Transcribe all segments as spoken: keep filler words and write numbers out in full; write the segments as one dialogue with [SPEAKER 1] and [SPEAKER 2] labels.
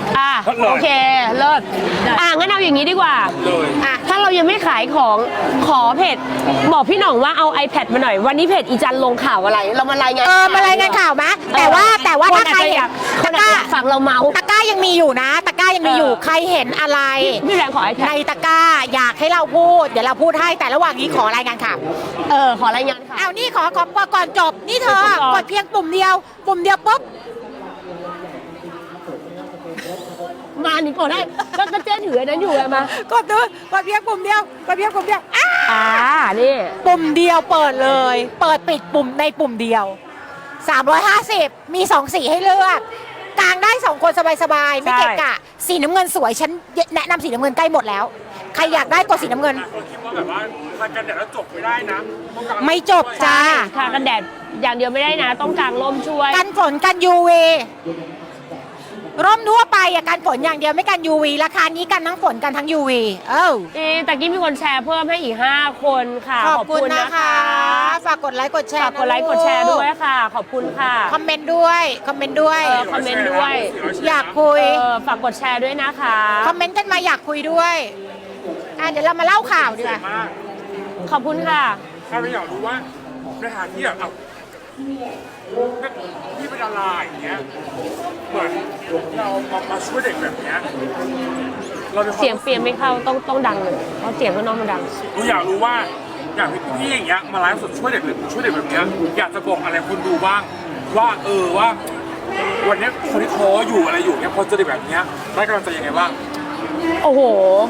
[SPEAKER 1] อ่ะโอเคเลิศอ่ะงั้นเอาอย่างนี้ดีกว่าอ่ะถ้าเรายังไม่ขายของขอเพจบอกพี่หน่องว่าเอา iPad มาหน่อยวันนี้เพจอีจันลงข่าวอะไรเรามารายงาน
[SPEAKER 2] เออมารายงานข่าวมะแต่ว่าแต่ว่าถ้าใครเห็นตะกร้า
[SPEAKER 1] ฝั่งเราเมา
[SPEAKER 2] ตะกร้ายังมีอยู่นะตะกร้ายังมีอยู่ใครเห็นอะไร
[SPEAKER 1] พี่แรงขอ iPad
[SPEAKER 2] ในตะกร้าอยากให้เราพูดเดี๋ยวเราพูดให้แต่ระหว่างนี้ขอรายงานข่าว
[SPEAKER 1] เออขอรายงานข่าว
[SPEAKER 2] เอานี่ขอขอก่อนจบนี่เธอกดเพียงปุ่มเดียวปุ่มเดียวปุ๊บ
[SPEAKER 1] มาหนิกดได้ก็กระเจ๊ถือนั้นอยู่ไงมาก
[SPEAKER 2] ดดูกดเพียงปุ่มเดียวกดเพียงปุ่มเดียวอ่า
[SPEAKER 1] นี่
[SPEAKER 2] ปุ่มเดียวเปิดเลยเปิดปิดปุ่มในปุ่มเดียวสามร้อยห้าสิบมีสองสีให้เลือกกางได้สองคนสบายๆไม่เกะกะสีน้ำเงินสวยฉันแนะนำสีน้ำเงินใกล้หมดแล้วใครอยากได้กดสีน้ำเงิน
[SPEAKER 3] คิดว่าแบบว่าทากันแดดแล้วจบไม่ได้นะ
[SPEAKER 2] ไม่จบจ้า
[SPEAKER 1] ทากันแดดอย่างเดียวไม่ได้นะต้องกางร่มช่วย
[SPEAKER 2] กันฝนกัน ยู วี ร่มทั่วไปอ่ะกันฝนอย่างเดียวไม่กัน ยู วี ราคานี้กันทั้งฝนกันทั้ง ยู วี เอ้า
[SPEAKER 1] แต่กี้มีคนแชร์เพิ่มให้อีกห้าคนค่ะ
[SPEAKER 2] ขอบคุณนะคะฝากกดไลค์กดแชร์
[SPEAKER 1] ฝากกดไลค์กดแชร์ด้วยค่ะขอบคุณค่ะ
[SPEAKER 2] คอมเมนต์ด้วยคอมเมนต์ด้วย
[SPEAKER 1] คอมเมนต์ด้วย
[SPEAKER 2] อยากคุย
[SPEAKER 1] ฝากกดแชร์ด้วยนะคะ
[SPEAKER 2] คอมเมนต์กันมาอยากคุยด้วยอ่ะเดี๋ยวเรามาเล่าข่าวดีกว่า
[SPEAKER 1] ขอบคุณค่ะ
[SPEAKER 3] ถ้าเราอยากรู้ว่าในฐานที่แบบเอาพี่เป็นดาราอย่างเงี้ยเหมือนเรามาช่วยเด็กแบบเนี้ย
[SPEAKER 1] เราเสียงเปลี่ยนไม่เข้าต้องต้องดังเลยเพราะเสียงข้างนอกมันดัง
[SPEAKER 3] เราอยากรู้ว่าอยากพี่อย่างเงี้ยมาไลฟ์สดช่วยเด็กช่วยเด็กแบบเนี้ยอยากจะบอกอะไรคนดูบ้างว่าเออว่าวันนี้คนที่ท้ออยู่อะไรอยู่เนี้ยพอเจอเด็กแบบเนี้ยได้กำลังใจยังไงบ้าง
[SPEAKER 1] โอ้โห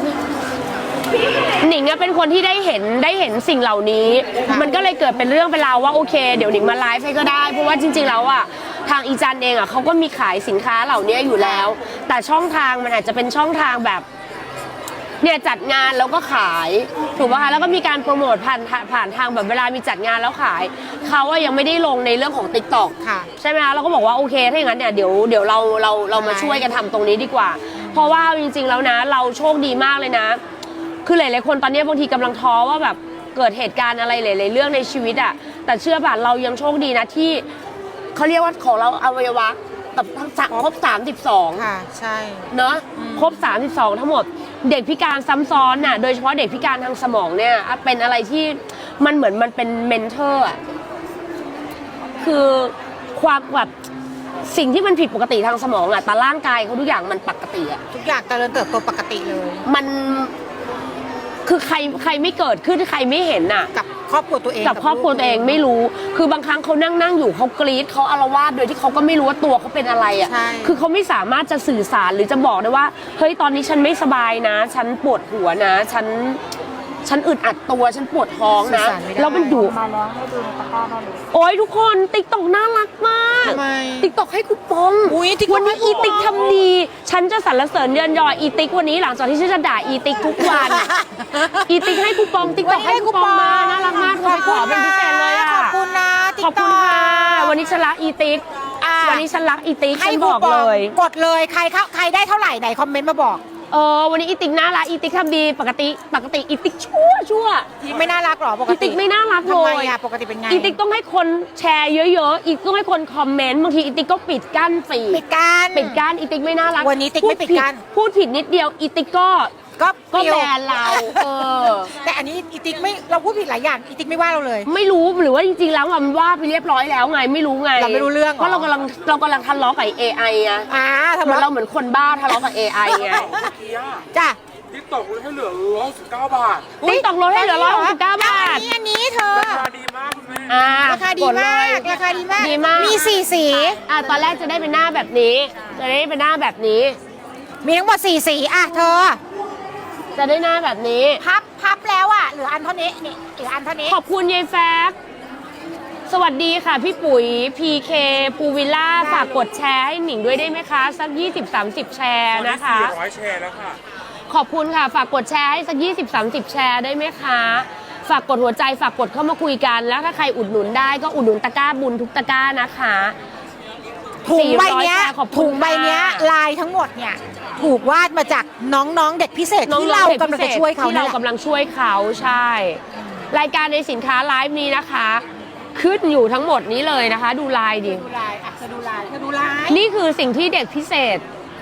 [SPEAKER 1] หนิงเป็นคนที่ได้เห็นได้เห็นสิ่งเหล่านี้มันก็เลยเกิดเป็นเรื่องเป็นราวว่าโอเคเดี๋ยวหนิงมาไลฟ์ให้ก็ได้เพราะว่าจริงๆแล้วอ่ะทางอีจันเองอ่ะเขาก็มีขายสินค้าเหล่านี้อยู่แล้วแต่ช่องทางมันอาจจะเป็นช่องทางแบบเนี่ยจัดงานแล้วก็ขายถูกป่ะคะแล้วก็มีการโปรโมทผ่านผ่านทางแบบเวลามีจัดงานแล้วขายเขาว่ายังไม่ได้ลงในเรื่องของ ติ๊กต็อก ใช่ไหมคะเราก็บอกว่าโอเคถ้าอย่างนั้นเนี่ยเดี๋ยวเดี๋ยวเราเราเรามาช่วยกันทำตรงนี้ดีกว่าเพราะว่าจริงๆแล้วนะเราโชคดีมากเลยนะคือหลายๆคนตอนนี้บางทีกำลังท้อว่าแบบเกิดเหตุการณ์อะไรหลายๆเรื่องในชีวิตอะแต่เชื่อป่ะเรายังโชคดีนะที่เขาเรียกว่าของเราอวัยวะแบบครบสามสิบสอง
[SPEAKER 2] ค่ะใช่
[SPEAKER 1] เนาะครบสามสิบสองทั้งหมดเด็กพิการซ้ำซ้อนน่ะโดยเฉพาะเด็กพิการทางสมองเนี่ยเป็นอะไรที่มันเหมือนมันเป็นเมนเทอร์อะคือความแบบสิ่งที่มันผิดปกติทางสมองอะแต่ร่างกายเขาทุกอย่างมันปกติอะ
[SPEAKER 2] ทุกอย่างเจริญเติบโตปกติเลย
[SPEAKER 1] มันคือใครใครไม่เกิดขึ้นใครไม่เห็นน่ะ
[SPEAKER 2] กับครอบครัวตัวเอง
[SPEAKER 1] กับครอบครัวตัวเองไม่รู้คือบางครั้งเขานั่งนั่งอยู่เขากรี๊ดเขาอาละวาดโดยที่เขาก็ไม่รู้ว่าตัวเขาเป็นอะไรอ่ะคือเขาไม่สามารถจะสื่อสารหรือจะบอกได้ว่าเฮ้ยตอนนี้ฉันไม่สบายนะฉันปวดหัวนะฉันฉันอึดอัดตัวฉันปวดท้องนะแล้วมันดุ
[SPEAKER 2] มาแล้วให้ดูในตะกร้าได้เลย
[SPEAKER 1] โอ้ยทุกคนติ๊กต็อกน่ารักมากติ๊กต็อกให้คูปองวันนี้อีติ๊กทำดีฉันจะสรรเสริญเยินยออีติ๊กวันนี้หลังจากที่ฉันจะด่าอีติ๊กทุกวันอีติ๊กให้คูปองติ๊กต็อกให้คูปองมาน่ารักมากขอขอเป็นพิเศษเลยอ่ะ
[SPEAKER 2] ขอบคุณนะ
[SPEAKER 1] ขอบคุณค่ะวันนี้ฉันรักอีติ๊กวันนี้ฉันรักอีติ๊กฉันบอกเลย
[SPEAKER 2] กดเลยใครเขาใครได้เท่าไหร่ไหนคอมเมนต์มาบอก
[SPEAKER 1] เออวันนี้อีติ๊กน่ารักอีติ๊กทำดีปกติปกติอีติ๊กชั่วชั่ว
[SPEAKER 2] ไม่น่ารักหรอปกติ
[SPEAKER 1] อีติ๊กไม่น่ารักเลย
[SPEAKER 2] ทำไมอะปกติเป็นไง
[SPEAKER 1] อีติ๊กต้องให้คนแชร์เยอะๆอีติ๊กต้องให้คนคอมเมนต์บางทีอีติ๊กก็ปิดกั้นฟีด
[SPEAKER 2] ปิดกั้น
[SPEAKER 1] ปิดกั้นอีติ๊กไม่น่ารัก
[SPEAKER 2] วันนี้ติ๊กไม่ปิดกั้น
[SPEAKER 1] พูดผิดนิดเดียวอีติ๊กก็
[SPEAKER 2] ก็
[SPEAKER 1] ก็แบนเราเออ
[SPEAKER 2] แต่อันนี้อีติ๊กไม่เราพูดผิดหลายอย่างอีติ๊กไม่ว่าเราเลย
[SPEAKER 1] ไม่รู้หรือว่าจริงๆแล้วมันว่าไปเรียบร้อยแล้วไงไม่รู้ไง
[SPEAKER 2] เราไม่รู้เรื่อง
[SPEAKER 1] เพราะเรากำลังเรากำลังทะเลาะกับ เอ ไอ อ่ะ
[SPEAKER 2] อ่าทะ
[SPEAKER 1] เลาะเราเหมือนคนบ้าทะเลาะกับ เอ ไอ ไง
[SPEAKER 2] จ้ะ
[SPEAKER 3] ติ๊กตอกลดให้เหลือร้อยสิบเก้าบาท
[SPEAKER 1] ติ๊กตอกลดให้เหลือร้อยสิบเก้าบาท
[SPEAKER 2] อันนี้เธอ
[SPEAKER 3] ราคาดีมากคุณแม่
[SPEAKER 2] ราคาดีมากราคาดีมาก
[SPEAKER 1] ดีมาก
[SPEAKER 2] มีสี่สี
[SPEAKER 1] อ่ะตอนแรกจะได้เป็นหน้าแบบนี้จะได้เป็นหน้าแบบนี้
[SPEAKER 2] มีทั้งหมดสี่สีอ่ะเธอ
[SPEAKER 1] จะได้หน้าแบบนี้
[SPEAKER 2] พับพับแล้วอ่ะเหลืออันเท่านี้นี่เหลืออันเท่านี้
[SPEAKER 1] ขอบคุณยายแฟกสวัสดีค่ะพี่ปุ๋ย พี เค ภูวิลล่าฝากกดแชร์ให้หนิงด้วยได้ไหมคะสัก ยี่สิบถึงสามสิบ แชร์นะคะ
[SPEAKER 3] สี่ร้อยแชร์แล้วค่ะ
[SPEAKER 1] ขอบคุณค่ะฝากกดแชร์ให้สัก ยี่สิบถึงสามสิบ แชร์ได้ไหมคะฝากกดหัวใจฝากกดเข้ามาคุยกันแล้วถ้าใครอุดหนุนได้ก็อุดหนุนตะกร้าบุญทุกตะกร้านะคะ
[SPEAKER 2] ถุงใบเนี้ยถุงใบเนี้ยลายทั้งหมดเนี่ยถูกวาดมาจากน้องๆเด็กพิเศษที่เรากำลังจะช่วยเขา
[SPEAKER 1] ที่เรากำลังช่วยเขาใช่รายการในสินค้าไลฟ์นี้นะคะขึ้นอยู่ทั้งหมดนี้เลยนะคะดูลายดิ
[SPEAKER 2] ดูลายอ่ะเธอดูลายเธอดูลาย
[SPEAKER 1] นี่คือสิ่งที่เด็กพิเศษ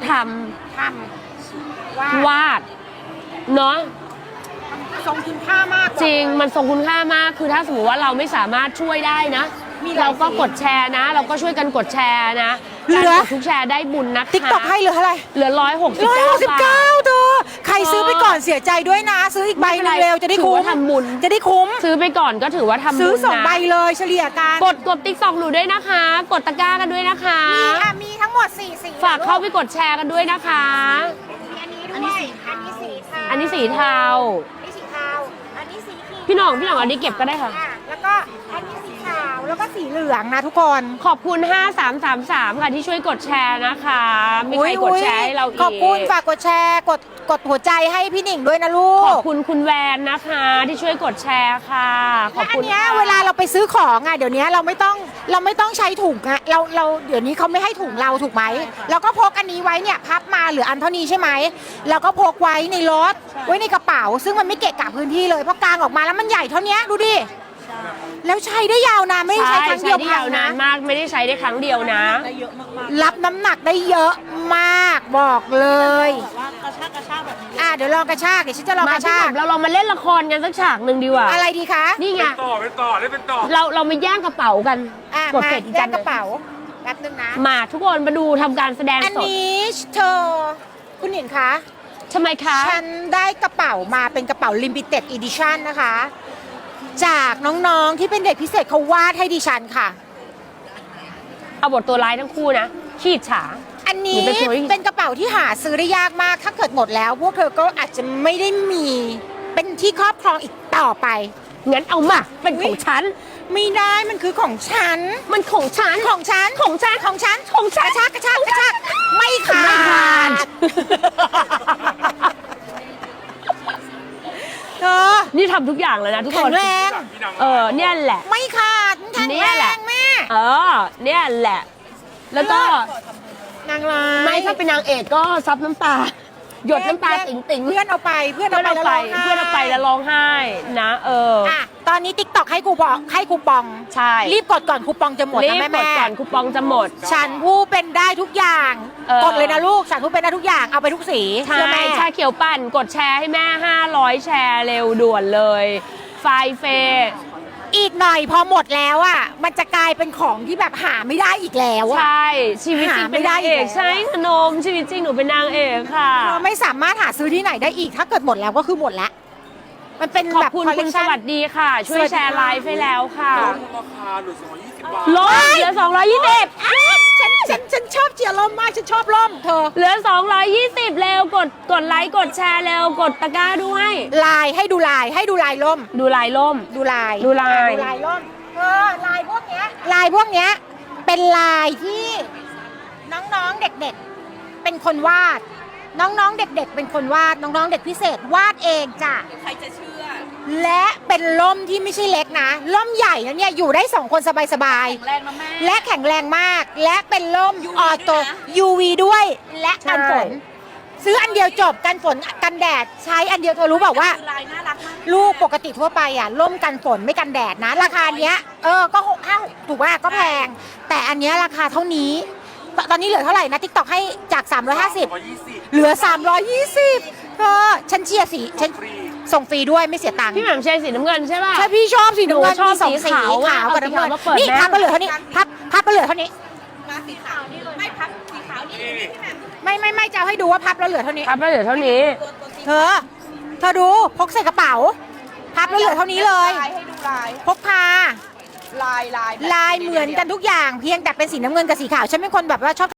[SPEAKER 1] ท
[SPEAKER 2] ทำว่า
[SPEAKER 1] ำวาดเนาะ
[SPEAKER 2] ทรงคุณค่ามาก
[SPEAKER 1] จริงมันทรงคุณค่ามากคือถ้าสมมติว่าเราไม่สามารถช่วยได้นะ เราก็กดแชร์นะ เราก็ช่วยกันกดแชร์นะการกดทุกแชร์ได้บุญนะคะ
[SPEAKER 2] ติ๊กต็อกให้เหลือเท่าไหร่
[SPEAKER 1] เหลือร้อยหกสิบ
[SPEAKER 2] ร้อย
[SPEAKER 1] เก้า
[SPEAKER 2] หกสิบบ
[SPEAKER 1] า
[SPEAKER 2] เก้า
[SPEAKER 1] ท
[SPEAKER 2] เธอใครซื้อไปก่อนเสียใจด้วยนะ ซื้ออีกใบหนึงเร็วจะได้คุ้
[SPEAKER 1] ถือ
[SPEAKER 2] ม
[SPEAKER 1] ว่าทำบุญ
[SPEAKER 2] จะได้คุ้ม
[SPEAKER 1] ซื้อไปก่อนก็ถือว่าทำบุญนะ
[SPEAKER 2] ซื้อสองใบเลยเฉลี่ยกัน
[SPEAKER 1] กดกดติ๊กต็อกหนูด้วยนะคะ กดตะกร้ากันด้วยนะคะ
[SPEAKER 2] มีค่ะมีทั้งหมดสี่สี
[SPEAKER 1] ฝากเข้าไปกดแชร์กันด้วยนะคะ
[SPEAKER 2] อันนี้ด้วยอันนี้สีเทา
[SPEAKER 1] อันนี้สีเทา
[SPEAKER 2] อันนี้สีเทาอันนี้สีครีม
[SPEAKER 1] พี่หน่องพี่หน่องอันนี้เก็บก็ได้ค่ะ
[SPEAKER 2] อ่ะแล้วก็อันนี้สีขาวแล้วก็สีเหลืองนะทุกคน
[SPEAKER 1] ขอบคุณห้าสามสามสามค่ะที่ช่วยกดแชร์นะคะ มีใครกดแชร์ให้เราอีก
[SPEAKER 2] ขอบคุณฝากกดแชร์กดกดหัวใจให้พี่หนิงด้วยนะลูก
[SPEAKER 1] ขอบคุณคุณแวนนะคะที่ช่วยกดแชร์ค่ะ ขอบ
[SPEAKER 2] และอั
[SPEAKER 1] คุ
[SPEAKER 2] น
[SPEAKER 1] ณ
[SPEAKER 2] เนี้ย
[SPEAKER 1] ค่ะ
[SPEAKER 2] เวลาเราไปซื้อของอ่ะเดี๋ยวนี้เราไม่ต้องเราไม่ต้องใช้ถุงอะเราเราเดี๋ยวนี้เขาไม่ให้ถุงเราถูกไหมเราก็พกอันนี้ไว้เนี่ยพับมาเหลืออันเท่านี้ใช่ไหมเราก็พกไว้ในรถไว้ในกระเป๋า ซึ่งมันไม่เกะกะพื้นที่เลยเพราะกางออกมาแล้วมันใหญ่เท่านี้ดูดิแล้วใช้ได้ยาวนานไม่ได้
[SPEAKER 1] ใช่
[SPEAKER 2] ใช้ครั้ง
[SPEAKER 1] ใช้
[SPEAKER 2] เดียว
[SPEAKER 1] ได้
[SPEAKER 2] พั
[SPEAKER 1] ยาง วนาน
[SPEAKER 2] นะ
[SPEAKER 1] มากไม่ได้ใช้ได้ครั้งเดียวนะ
[SPEAKER 2] รับน้ำหนักได้เยอะมากบอกเลย
[SPEAKER 4] ว่ากระชากกระชากแบบนี้
[SPEAKER 2] อ่ะเดี๋ยวลองกระชากเดี๋ยวฉันจะลอง
[SPEAKER 1] มาก
[SPEAKER 2] ระ
[SPEAKER 1] พี่
[SPEAKER 2] ชา
[SPEAKER 1] ห
[SPEAKER 2] ก
[SPEAKER 1] นุ่มเราลองมาเล่นละครกันสักฉากหนึ่งดีกว่า
[SPEAKER 2] อะไรดีคะ
[SPEAKER 1] นี่ไง
[SPEAKER 3] เป็นต่อเป็นต่อได้เป็นต่อ
[SPEAKER 1] เราเรามาแย่งกระเป๋ากัน
[SPEAKER 2] อ่ะ
[SPEAKER 1] กด
[SPEAKER 2] มา
[SPEAKER 1] เสร็จอีก
[SPEAKER 2] แย
[SPEAKER 1] จั
[SPEAKER 2] ก
[SPEAKER 1] น
[SPEAKER 2] กระเป๋าแป๊บนึงนะ
[SPEAKER 1] มาทุกคนมาดูทำการแสดง
[SPEAKER 2] อัน
[SPEAKER 1] สด
[SPEAKER 2] นี้เธอคุณหญิงคะ
[SPEAKER 1] ทำไมคะ
[SPEAKER 2] ฉันได้กระเป๋ามาเป็นกระเป๋า Limited Edition นะคะ จากน้องๆที่เป็นเด็กพิเศษเขาวาดให้ดิฉันค่ะ
[SPEAKER 1] เอาบทตัวร้ายทั้งคู่นะขีดฉา
[SPEAKER 2] อันนี้
[SPEAKER 1] หรือเป็นตัวที่
[SPEAKER 2] เป็นกระเป๋าที่หาซื้อได้ยากมาก ถ้าเกิดหมดแล้ว พวกเธอก็อาจจะไม่ได้มีเป็นที่ครอบครองอีกต่อไป
[SPEAKER 1] งั้นเอามาเป็นของฉัน
[SPEAKER 2] ไม่ได้มันคือของฉัน
[SPEAKER 1] มันของฉัน
[SPEAKER 2] ของฉัน
[SPEAKER 1] ของฉัน
[SPEAKER 2] ของฉัน
[SPEAKER 1] ของฉั
[SPEAKER 2] ก
[SPEAKER 1] น
[SPEAKER 2] ระชากกระชากกระชากไม่ขาด
[SPEAKER 1] ไม่ขาด
[SPEAKER 2] เธอ
[SPEAKER 1] นี่ทำทุกอย่างเลยนะทุก
[SPEAKER 2] แข็
[SPEAKER 1] ค
[SPEAKER 2] ง
[SPEAKER 1] น
[SPEAKER 2] แรง
[SPEAKER 1] เออเนี่ยแหละ
[SPEAKER 2] ไม่ขาดแข็ง
[SPEAKER 1] เนี่
[SPEAKER 2] แร
[SPEAKER 1] ยแหละ
[SPEAKER 2] งแม่
[SPEAKER 1] เออ เนี่ยแหละ แล้วก็
[SPEAKER 2] นางร้าย
[SPEAKER 1] ไม่ถ้าเป็นนางเอกก็ซับน้ำตา หยดน้ำตาติ๋งติ๋งๆ
[SPEAKER 2] เพื่อนเอาไปเพื่อน
[SPEAKER 1] เพื่อน
[SPEAKER 2] เอา
[SPEAKER 1] เอา
[SPEAKER 2] ไป
[SPEAKER 1] ไป
[SPEAKER 2] แล้วร้งไห้
[SPEAKER 1] เพื่อนเอาไปแล้วร้องไห้นะ เออ
[SPEAKER 2] อ่ะตอนนี้ติ๊กต็อกให้คูปองให้คูปอง
[SPEAKER 1] ใช่
[SPEAKER 2] รีบกดก่อนคูปองจะหมด
[SPEAKER 1] รี
[SPEAKER 2] นะ
[SPEAKER 1] บ
[SPEAKER 2] แม่
[SPEAKER 1] กด
[SPEAKER 2] แม่
[SPEAKER 1] ก่อนคูปองจะหมด
[SPEAKER 2] ฉันผู้เป็นได้ทุกอย่าง
[SPEAKER 1] เออ
[SPEAKER 2] กดเลยนะลูกฉันผู้เป็นได้ทุกอย่างเอาไปทุกสี
[SPEAKER 1] ใช่
[SPEAKER 2] เชื่อแม่
[SPEAKER 1] ชาเขียวปั่นกดแชร์ให้แม่ห้าร้อยแชร์เร็วด่วนเลย ไฟเฟย์
[SPEAKER 2] อีกหน่อยพอหมดแล้วอ่ะมันจะกลายเป็นของที่แบบหาไม่ได้อีกแล้วอ่ะ
[SPEAKER 1] ใช่ ชีวิตจริงเป็นนางเอก
[SPEAKER 2] หาไม่ได้อีกแล้ว
[SPEAKER 1] ใช่ขนมชีวิตจริงหนูเป็นนางเอกค่ะ
[SPEAKER 2] เราไม่สามารถหาซื้อที่ไหนได้อีกถ้าเกิดหมดแล้วก็คือหมดแล้วมันเป็น
[SPEAKER 1] ขอบ
[SPEAKER 2] แบบ
[SPEAKER 1] คุณ
[SPEAKER 2] คอลเล
[SPEAKER 1] คุ
[SPEAKER 2] ก
[SPEAKER 1] ณส
[SPEAKER 2] ชัน
[SPEAKER 1] วัสดีค่ะ ช่วยแชร์ไลฟ์ให้แล้วค่ะ
[SPEAKER 3] ลดราคาเหลือสองร้อยยี่สิบบาท
[SPEAKER 1] ลดเหลือสองร้อยยี่สิบ
[SPEAKER 2] ฉันฉันฉันชอบเจียร่มมากฉันชอบร่มเธอ
[SPEAKER 1] เหลือสองร้อยยี่สิบเร็วกดกดไลค์กดแชร์เร็วกดตะกร้าด้วย
[SPEAKER 2] ลายให้ดูลายให้ดูลายร่ม
[SPEAKER 1] ดูลายล่ม
[SPEAKER 2] ดูลาย
[SPEAKER 1] ดูลาย
[SPEAKER 2] ดูลายร่มเออลายพวกเนี้ยลายพวกเนี้ยเป็นลายที่น้องๆเด็กๆเป็นคนวาด น้องๆเด็กๆเป็นคนวาดน้องๆเด็กพิเศษวาดเองจ้ะ
[SPEAKER 4] ใครจะเชื่อ
[SPEAKER 2] และเป็นร่มที่ไม่ใช่เล็กนะร่มใหญ่นะเนี่ยอยู่ได้สองคนสบาย
[SPEAKER 4] แข็งแรงนะแม่
[SPEAKER 2] ๆและแข็งแรงมาก และเป็นร่ม
[SPEAKER 4] ยูวี
[SPEAKER 2] ออโต
[SPEAKER 4] ด้วยนะ
[SPEAKER 2] ยู วี ด้วยและกันฝน
[SPEAKER 1] ใช่
[SPEAKER 2] ซื้ออันเดียวจบกันฝนกันแดดใช้อันเดียวเธอรู้เปล่าว่า
[SPEAKER 4] ลายน่ารักมาก
[SPEAKER 2] ลูกปกติทั่วไปอ่ะร่มกันฝนไม่กันแดดนะ ราคาเนี้ยเออก็หกห้าถูกว่าก็แพง แต่อันเนี้ยราคาเท่านี้ ตตอนนี้เหลือเท่าไหร่นะทิกตอกให้จากสามร้อยห้าสิบ
[SPEAKER 3] สามร้อยยี่สิบ
[SPEAKER 2] เหลือสามร้อยยี่สิบเธอฉันเชียร์สีฉัน
[SPEAKER 3] ฟรี
[SPEAKER 2] ส่งฟรีด้วยไม่เสียตังค์
[SPEAKER 1] พี่แหม่มแชร์สีน้ำเงินใช่ป่ะ
[SPEAKER 2] ถ้าพี่ชอบสีน้ำเงิน
[SPEAKER 1] หนูชอบ
[SPEAKER 2] มีสอง
[SPEAKER 1] สี
[SPEAKER 2] สี
[SPEAKER 1] ขาวอะ
[SPEAKER 2] ขาวกับน้ำเงิน
[SPEAKER 1] เอาสีขาวมาเปิด
[SPEAKER 2] นี่
[SPEAKER 1] แม่
[SPEAKER 2] พับก็เหลือเท่านี้พับพับก็เหลือเท่านี้
[SPEAKER 4] มาสีขาวนี่เลย ไม่พับสีขาวนี่
[SPEAKER 3] นี่นี่
[SPEAKER 2] ไม่ไม่ไม่จะเอาให้ดูว่าพับแล้วเหลือเท่านี้
[SPEAKER 1] ครับแล้วเดี๋ยวเท่านี้
[SPEAKER 4] ตัวตัวสี
[SPEAKER 2] เธอเธอดูพกใส่กระเป๋า พับแล้วเหลือเท่านี้เลย
[SPEAKER 4] ลายให้ดูลาย
[SPEAKER 2] พกพา
[SPEAKER 4] ลายลายแบบ
[SPEAKER 2] ลายเหมือนกันทุกอย่างเพียงแต่เป็นสีน้ำเงินกับสีขาวฉันเป็นคนแบบว่าชอบ